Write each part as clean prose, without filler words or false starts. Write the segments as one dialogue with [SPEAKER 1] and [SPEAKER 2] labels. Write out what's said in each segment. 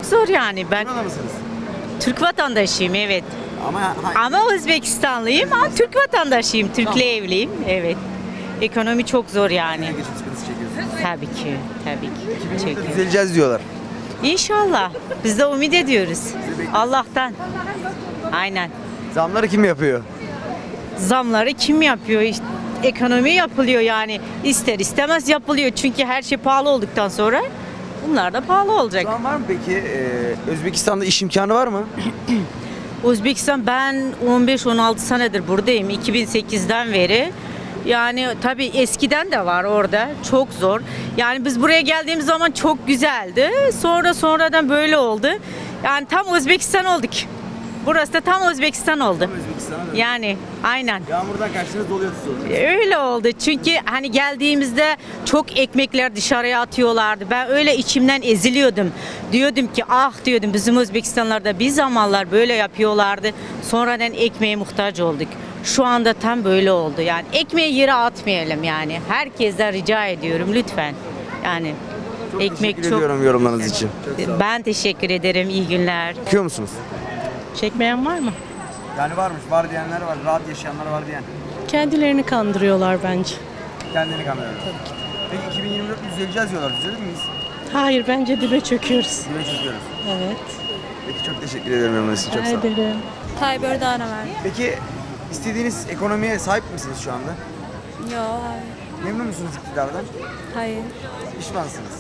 [SPEAKER 1] zor yani. Ben
[SPEAKER 2] Burada mısınız?
[SPEAKER 1] Türk vatandaşıyım, evet.
[SPEAKER 2] Ama
[SPEAKER 1] Ama Özbekistanlıyım ama Türk vatandaşıyım. Türk'le evliyim, evet. Ekonomi çok zor yani.
[SPEAKER 2] geçim sıkıntısı çekiyorsunuz.
[SPEAKER 1] Tabii ki, tabii ki.
[SPEAKER 2] 2020'de
[SPEAKER 1] Çekiyorum.
[SPEAKER 2] düzeleceğiz diyorlar.
[SPEAKER 1] İnşallah. Biz de ümit ediyoruz. Allah'tan. Aynen.
[SPEAKER 2] Zamları kim yapıyor?
[SPEAKER 1] Zamları kim yapıyor? İşte ekonomi yapılıyor yani. İster istemez yapılıyor. Çünkü her şey pahalı olduktan sonra bunlar da pahalı olacak.
[SPEAKER 2] Şu an var mı peki Özbekistan'da iş imkanı var mı?
[SPEAKER 1] Özbekistan, ben 15-16 senedir buradayım. 2008'den beri. Yani tabii eskiden de var orada. Çok zor. Yani biz buraya geldiğimiz zaman çok güzeldi. Sonradan böyle oldu. Yani tam Özbekistan olduk. Burası da tam Özbekistan oldu.
[SPEAKER 2] Özbekistan'a
[SPEAKER 1] Yani aynen.
[SPEAKER 2] Yağmurdan kaçtınız doluyor tutuyorsunuz.
[SPEAKER 1] Öyle oldu. Çünkü hani geldiğimizde çok ekmekler dışarıya atıyorlardı. Ben öyle içimden eziliyordum. Diyordum ki ah diyordum, bizim Özbekistanlarda bir zamanlar böyle yapıyorlardı. Sonradan ekmeğe muhtaç olduk. Şu anda tam böyle oldu. Yani ekmeği yere atmayalım yani. Herkesten rica ediyorum lütfen. Yani ekmek
[SPEAKER 2] Teşekkür ediyorum yorumlarınız için.
[SPEAKER 1] Ben teşekkür ederim. İyi günler.
[SPEAKER 2] Bakıyor musunuz?
[SPEAKER 3] Çekmeyen var mı?
[SPEAKER 2] Yani varmış, var diyenler var, rahat yaşayanlar var diyen.
[SPEAKER 3] Kendilerini kandırıyorlar bence.
[SPEAKER 2] Kendini kandırıyor. Peki 2024 düzeleceğiz diyorlar. Düzelir miyiz?
[SPEAKER 3] Hayır, bence dibe çöküyoruz.
[SPEAKER 2] Güne çekiyoruz.
[SPEAKER 3] Evet.
[SPEAKER 2] Peki çok teşekkür ederim yorumlarınız için. Çok sağ
[SPEAKER 3] Rica
[SPEAKER 2] olun.
[SPEAKER 3] ederim.
[SPEAKER 4] Tayyip Erdoğan'a verdim.
[SPEAKER 2] Peki istediğiniz ekonomiye sahip misiniz şu anda?
[SPEAKER 4] Yok,
[SPEAKER 2] Memnun musunuz iktidardan?
[SPEAKER 4] hayır.
[SPEAKER 2] Pişmansınız.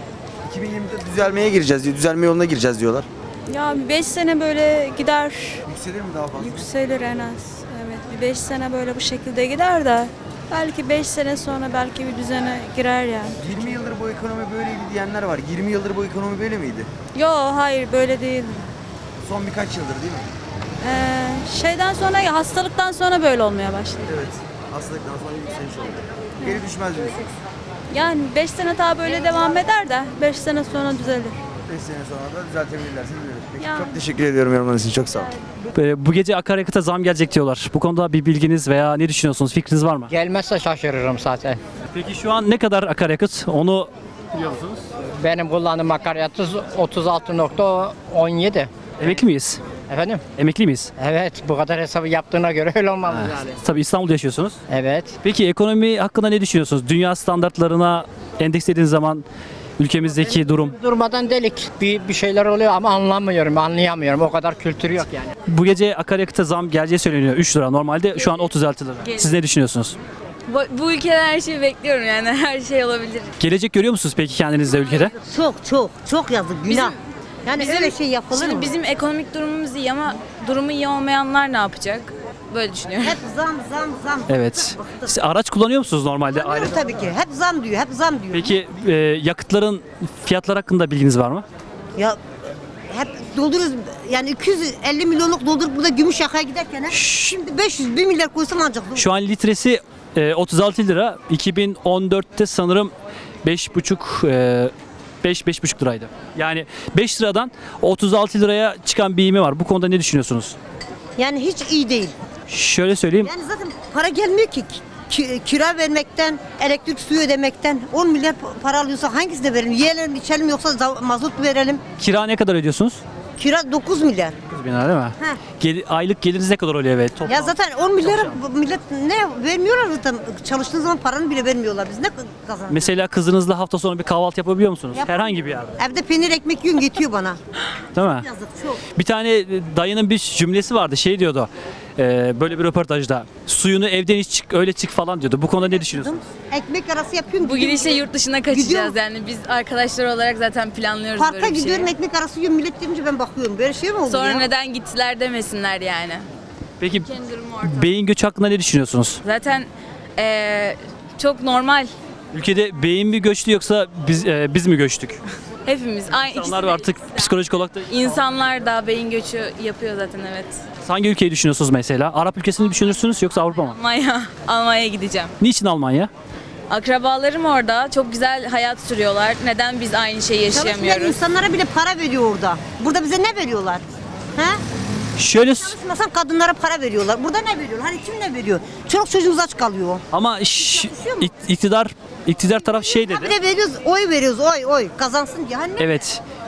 [SPEAKER 2] 2024 düzelmeye gireceğiz diyor. Düzelme yoluna gireceğiz diyorlar.
[SPEAKER 4] Ya bir 5 sene böyle gider,
[SPEAKER 2] Yükselir mi daha fazla?
[SPEAKER 4] yükselir en az. Evet, bir 5 sene böyle bu şekilde gider de belki 5 sene sonra belki bir düzene girer yani.
[SPEAKER 2] 20 yıldır bu ekonomi böyleydi diyenler var. 20 yıldır bu ekonomi böyle miydi?
[SPEAKER 4] Yok, hayır böyle değil.
[SPEAKER 2] Son birkaç yıldır değil mi?
[SPEAKER 4] Şeyden sonra, hastalıktan sonra böyle olmaya başladı.
[SPEAKER 2] Evet. Hastalıktan sonra yükseliş oldu. Geri düşmez diyorsunuz.
[SPEAKER 4] Yani 5 sene daha böyle devam eder de 5 sene sonra düzelir.
[SPEAKER 2] 5 sene sonra da düzeltebilirlerse düzelir. Peki
[SPEAKER 4] Yani.
[SPEAKER 2] çok teşekkür ediyorum yorumlarınız için. Çok sağ olun.
[SPEAKER 5] Bu gece akaryakıta zam gelecek diyorlar. Bu konuda bir bilginiz veya ne düşünüyorsunuz? Fikriniz var mı?
[SPEAKER 6] Gelmezse şaşırırım zaten.
[SPEAKER 5] Peki şu an ne kadar akaryakıt? Onu biliyor musunuz?
[SPEAKER 6] Benim kullandığım akaryakıt 36,17.
[SPEAKER 5] Emekli miyiz?
[SPEAKER 6] Efendim?
[SPEAKER 5] Emekli miyiz?
[SPEAKER 6] Evet, bu kadar hesabı yaptığına göre öyle olmalı yani.
[SPEAKER 5] Tabii İstanbul'da yaşıyorsunuz.
[SPEAKER 6] Evet.
[SPEAKER 5] Peki ekonomi hakkında ne düşünüyorsunuz? Dünya standartlarına endekslediğiniz zaman ülkemizdeki durum.
[SPEAKER 6] Durmadan delik bir şeyler oluyor ama anlayamıyorum. O kadar kültür yok yani.
[SPEAKER 5] Bu gece akaryakıta zam geleceği söyleniyor. 3 lira. Normalde şu an 36 lira. Siz ne düşünüyorsunuz?
[SPEAKER 7] Bu ülkeden her şeyi bekliyorum yani her şey olabilir.
[SPEAKER 5] Gelecek görüyor musunuz peki kendinizde ülkede?
[SPEAKER 8] Çok yazık günah. Yani öyle şey yapılır
[SPEAKER 7] Şimdi
[SPEAKER 8] mı?
[SPEAKER 7] bizim ekonomik durumumuz iyi ama durumu iyi olmayanlar ne yapacak? Böyle düşünüyorum.
[SPEAKER 8] Hep zam.
[SPEAKER 5] Evet. Siz araç kullanıyor musunuz normalde?
[SPEAKER 8] Kullanıyoruz tabii ki. Hep zam diyor.
[SPEAKER 5] Peki yakıtların fiyatları hakkında bilginiz var mı?
[SPEAKER 8] Ya hep dolduruyoruz. Yani 250 milyonluk doldurup burada Gümüşyaka'ya giderken şimdi 1 milyar koysan ancak.
[SPEAKER 5] Şu an litresi 36 lira. 2014'te sanırım 5,5 liraydı. Yani 5 liradan 36 liraya çıkan bir ivme var. Bu konuda ne düşünüyorsunuz?
[SPEAKER 8] Yani hiç iyi değil.
[SPEAKER 5] Şöyle söyleyeyim.
[SPEAKER 8] Yani zaten para gelmiyor ki. Kira vermekten, elektrik suyu ödemekten 10 milyar para alıyorsa hangisini verelim? Yiyelim, içelim yoksa mazot verelim.
[SPEAKER 5] Kira ne kadar ödüyorsunuz?
[SPEAKER 8] Kira 9 milyar.
[SPEAKER 5] 9 bin lira değil mi? Aylık geliriniz ne kadar oluyor? Evet.
[SPEAKER 8] Ya
[SPEAKER 5] Toplam.
[SPEAKER 8] zaten 10 milyara millet ne vermiyorlar zaten. Çalıştığı zaman paranı bile vermiyorlar. Biz ne kazanıyoruz?
[SPEAKER 5] Mesela kızınızla hafta sonu bir kahvaltı yapabiliyor musunuz?
[SPEAKER 8] Yap-
[SPEAKER 5] Herhangi bir yerde.
[SPEAKER 8] Evde peynir ekmek yiyorsun yetiyor bana.
[SPEAKER 5] Değil mi?
[SPEAKER 8] Yazık çok.
[SPEAKER 5] Bir tane dayının bir cümlesi vardı. Şey diyordu. Böyle bir röportajda. Suyunu evden iç çık öyle çık falan diyordu. Bu konuda ne düşünüyorsunuz?
[SPEAKER 8] Ekmek arası yapıyorsun.
[SPEAKER 7] Bu gidişle yurt dışına kaçacağız
[SPEAKER 8] Gidiyorum.
[SPEAKER 7] yani biz arkadaşlar olarak zaten planlıyoruz
[SPEAKER 8] Parka
[SPEAKER 7] böyle bir şeyi.
[SPEAKER 8] gidiyorum ekmek arası yiyorum. Millet gelince ben bakıyorum. Böyle şey mi oldu
[SPEAKER 7] Sonra
[SPEAKER 8] ya?
[SPEAKER 7] neden gittiler demesinler yani.
[SPEAKER 5] Peki
[SPEAKER 7] Kendi durumu ortada.
[SPEAKER 5] beyin göçü hakkında ne düşünüyorsunuz?
[SPEAKER 7] Zaten çok normal.
[SPEAKER 5] Ülkede beyin mi göçtü yoksa biz mi göçtük?
[SPEAKER 7] Hepimiz aynı
[SPEAKER 5] İnsanlar
[SPEAKER 7] ikisi de
[SPEAKER 5] artık
[SPEAKER 7] ikisi de.
[SPEAKER 5] psikolojik olarak da...
[SPEAKER 7] İnsanlar da beyin göçü yapıyor zaten, evet.
[SPEAKER 5] Hangi ülkeyi düşünüyorsunuz mesela? Arap ülkesini düşünürsünüz yoksa Avrupa mı?
[SPEAKER 7] Almanya'ya gideceğim.
[SPEAKER 5] Niçin Almanya?
[SPEAKER 7] Akrabalarım orada çok güzel hayat sürüyorlar. Neden biz aynı şeyi
[SPEAKER 8] Çalışmayan
[SPEAKER 7] yaşayamıyoruz?
[SPEAKER 8] insanlara bile para veriyor orada. Burada bize ne veriyorlar? He?
[SPEAKER 5] Şöyle
[SPEAKER 8] Çalışmasan kadınlara para veriyorlar. Burada ne veriyorlar? Hani kim ne veriyor? Çoluk çocuğumuz aç kalıyor.
[SPEAKER 5] ama iktidar taraf şey
[SPEAKER 8] Bir
[SPEAKER 5] dedi.
[SPEAKER 8] de veriyoruz, oy veriyoruz, oy. Kazansın diye. Hani ne?
[SPEAKER 5] Evet.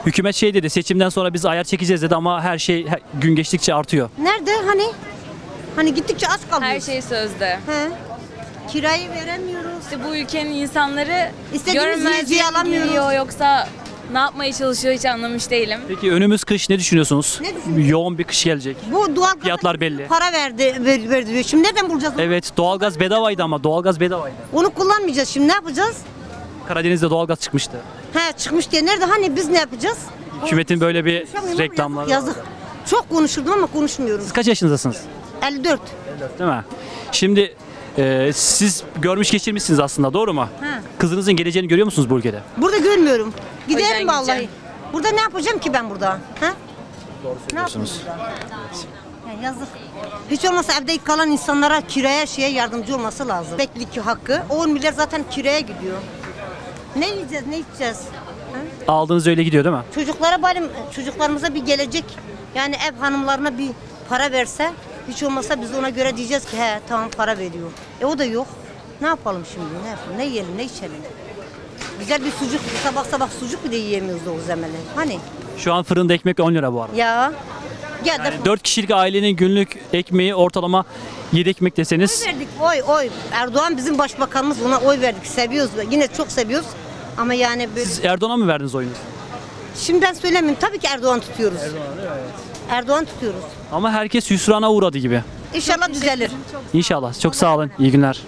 [SPEAKER 5] Hükümet şey dedi, seçimden sonra biz ayar çekeceğiz dedi ama her şey gün geçtikçe artıyor.
[SPEAKER 8] Nerede hani? Hani gittikçe aç kalıyoruz.
[SPEAKER 7] Her şey sözde.
[SPEAKER 8] He. Kirayı veremiyoruz.
[SPEAKER 7] İşte bu ülkenin insanları
[SPEAKER 8] İstediğimiz yiyeceği
[SPEAKER 7] görmezden
[SPEAKER 8] alamıyoruz.
[SPEAKER 7] geliyor yoksa ne yapmaya çalışıyor hiç anlamış değilim.
[SPEAKER 5] Peki önümüz kış ne düşünüyorsunuz?
[SPEAKER 8] Ne düşünüyorsun?
[SPEAKER 5] Yoğun bir kış gelecek.
[SPEAKER 8] Bu doğal
[SPEAKER 5] Fiyatlar belli.
[SPEAKER 8] Para verdi diyor. Şimdi nereden bulacağız onu?
[SPEAKER 5] Evet, doğalgaz bedavaydı ama doğalgaz bedavaydı.
[SPEAKER 8] Onu kullanmayacağız. Şimdi ne yapacağız?
[SPEAKER 5] Karadeniz'de doğalgaz çıkmıştı.
[SPEAKER 8] He çıkmış diye. Nerede? Hani biz ne yapacağız?
[SPEAKER 5] Hükümetin böyle bir
[SPEAKER 8] Konuşamıyorum ama
[SPEAKER 5] reklamları
[SPEAKER 8] yazık,
[SPEAKER 5] var.
[SPEAKER 8] yazık. Çok konuşurdum ama konuşmuyorum.
[SPEAKER 5] Siz kaç yaşındasınız?
[SPEAKER 8] 54.
[SPEAKER 5] Değil mi? Şimdi siz görmüş geçirmişsiniz aslında, doğru mu?
[SPEAKER 8] He.
[SPEAKER 5] Kızınızın geleceğini görüyor musunuz bu ülkede?
[SPEAKER 8] Burada görmüyorum.
[SPEAKER 7] yüzden
[SPEAKER 8] Giderim vallahi.
[SPEAKER 7] gideceğim.
[SPEAKER 8] Burada ne yapacağım ki ben burada? Ha? Ne yapayım
[SPEAKER 5] Söylüyorsunuz.
[SPEAKER 8] burada? Ya yazık. Hiç olmazsa evde kalan insanlara kiraya yardımcı olması lazım. Beklilik hakkı. 10 milyar zaten kiraya gidiyor. Ne yiyeceğiz, ne içeceğiz? Ha?
[SPEAKER 5] Aldığınız öyle gidiyor değil mi?
[SPEAKER 8] Çocuklara bari çocuklarımıza bir gelecek. Yani ev hanımlarına bir para verse hiç olmazsa biz ona göre diyeceğiz ki he tamam para veriyor. O da yok. Ne yapalım şimdi? Ne yapalım? Ne yiyelim, ne içelim? Güzel bir sucuk, sabah sabah sucuk bile yiyemiyoruz o zemeli. Hani?
[SPEAKER 5] Şu an fırında ekmek 10 lira bu arada.
[SPEAKER 8] Ya. Gel de
[SPEAKER 5] Yani 4 kişilik ailenin günlük ekmeği ortalama 7 ekmek deseniz
[SPEAKER 8] oy verdik. Oy. Erdoğan bizim başbakanımız. Ona oy verdik. Seviyoruz. Yine çok seviyoruz. Ama yani böyle...
[SPEAKER 5] siz Erdoğan'a mı verdiniz oyunuzu?
[SPEAKER 8] Şimdi ben söylemeyeyim. Tabii ki Erdoğan tutuyoruz. Erdoğan tutuyoruz.
[SPEAKER 5] Ama herkes hüsrana uğradı gibi.
[SPEAKER 8] İnşallah düzelir.
[SPEAKER 5] İnşallah. Çok sağ olun. İyi günler.